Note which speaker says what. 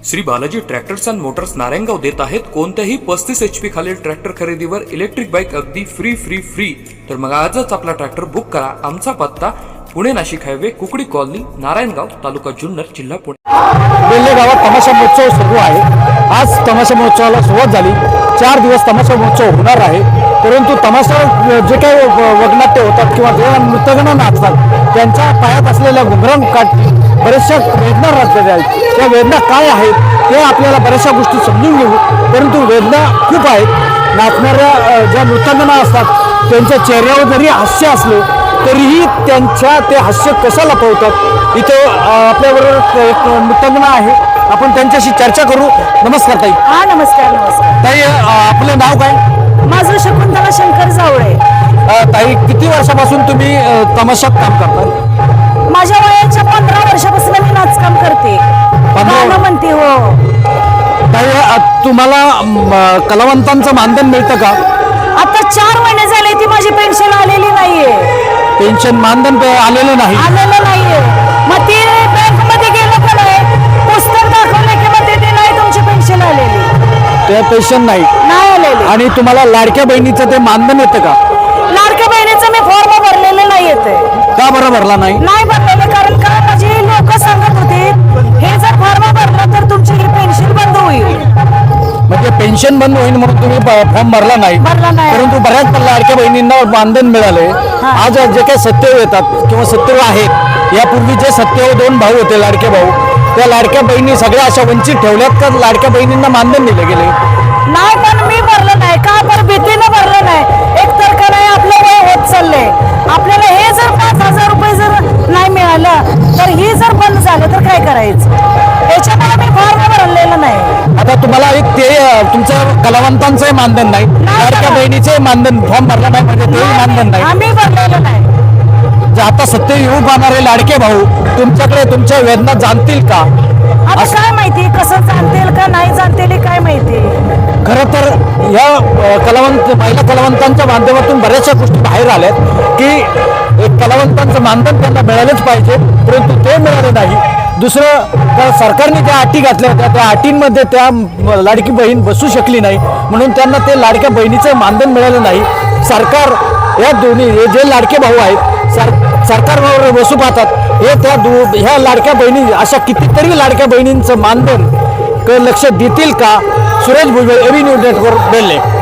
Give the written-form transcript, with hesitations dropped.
Speaker 1: Shri Balaji tractors and motors Narayangaon देत आहेत कोणत्याही 35 HP खालील ट्रॅक्टर खरेदीवर इलेक्ट्रिक बाईक अगदी फ्री। तर मग आजच आपला ट्रॅक्टर बुक करा। आमचा पत्ता पुणे नाशिक हायवे कुकडी कॉलनी नारायणगाव तालुका जुन्नर जिल्हा पुणे।
Speaker 2: बेल्ले गावात तमाशा महोत्सव सुरू आहे। आज तमाशा महोत्सवाला सुरुवात झाली। 4 दिवस तमाशा महोत्सव होणार आहे। परंतु तमाशा जे काही वगनाट्य होतात किंवा जे नृत्यगण नाचतात त्यांच्या पायात असलेल्या घुंगरांकाठी बऱ्याचशा वेदना राहतात आहेत। त्या वेदना काय आहेत ते आपल्याला बऱ्याचशा गोष्टी समजून घेऊ। परंतु वेदना खूप आहेत। नाचणाऱ्या ज्या नृत्यगणा असतात त्यांच्या चेहऱ्यावर जरी हास्य असले तरीही त्यांच्या ते हास्य कसं लपवतात। इथे आपल्याबरोबर एक नृत्यगणा आहे, आपण त्यांच्याशी चर्चा करू। नमस्कार ताई।
Speaker 3: हा नमस्कार।
Speaker 2: ताई आपलं नाव काय?
Speaker 3: माझं शकुंतला शंकर जावळे।
Speaker 2: ताई किती वर्षापासून तुम्ही तमाशात काम करता?
Speaker 3: माझ्या वयाच्या 15 वर्षापासून मी नाचकाम करते, गाणं म्हणते। हो
Speaker 2: ताई तुम्हाला कलावंतांचं मानधन मिळतं का?
Speaker 3: आता 4 महिने झाले ती माझी पेन्शन आलेली नाहीये।
Speaker 2: पेन्शन मानधन आलेलं नाही?
Speaker 3: आलेलं नाहीये। मग ती बँक मध्ये गेलं का नाही, पुस्तक दाखवलं की मग ते नाही तुमची पेन्शन आलेली,
Speaker 2: ते पेन्शन नाही
Speaker 3: आलेली।
Speaker 2: आणि तुम्हाला लाडक्या बहिणीचं ते मानधन येतं का?
Speaker 3: लाडक्या बहिणीचं मी फॉर्म भरलेलं नाही येते।
Speaker 2: का बरं भरला नाही?
Speaker 3: नाही भरलेलं कारण का माझी लोक सांगत होते हे जर फॉर्म भरलं तर तुमची ही पेन्शन बंद होईल।
Speaker 2: म्हणजे पेन्शन बंद होईल म्हणून तुम्ही फॉर्म भरला नाही?
Speaker 3: भरला नाही।
Speaker 2: परंतु बऱ्याच लाडक्या बहिणींना मानधन मिळाले। आज जे काही सत्यव येतात किंवा सत्यव आहेत, यापूर्वी जे सत्यव 2 भाऊ होते लाडके भाऊ, त्या लाडक्या बहिणी सगळ्या अशा वंचित ठेवल्यात का लाडक्या बहिणींना मानधन दिले गेले?
Speaker 3: नाही, पण मी भरलं नाही का? पण भीतीनं भरलं नाही। एक तर का नाही आपलं वय होत चाललंय, आपल्याला हे जर 5000 रुपये जर नाही मिळालं तर ही जर बंद झालं तर काय करायचं? याच्यामुळे मी फॉर्म भरलेलं नाही।
Speaker 2: आता तुम्हाला एक ते तुमचं कलावंतांचंही मानधन नाही, लाडक्या बहिणीचे मानधन फॉर्म भरला नाही म्हणजे तेही मानधन नाही?
Speaker 3: आम्ही भरलेलं नाही।
Speaker 2: आता सत्य येऊ पाहणारे लाडके भाऊ तुमच्याकडे तुमच्या वेदना जाणतील का?
Speaker 3: आता काय माहिती कसं जाणतील का नाही जाणतील काय माहिती।
Speaker 2: खरं तर या महिला कलावंतांच्या माध्यमातून बऱ्याचशा गोष्टी बाहेर आल्यात की एक कलावंतांचं मानधन त्यांना मिळालंच पाहिजे, परंतु ते मिळालं नाही। दुसरं तर सरकारने ज्या अटी घातल्या होत्या त्या अटींमध्ये त्या लाडकी बहीण बसू शकली नाही, म्हणून त्यांना ते लाडक्या बहिणीचं मानधन मिळालं नाही। सरकार या दोन्ही हे जे लाडके भाऊ आहेत सरकारवर बसू पाहतात, हे ह्या लाडक्या बहिणी अशा कितीतरी लाडक्या बहिणींचं मानधन लक्ष देतील का? Suresh Bhujbal, AB news network, बेल्ले।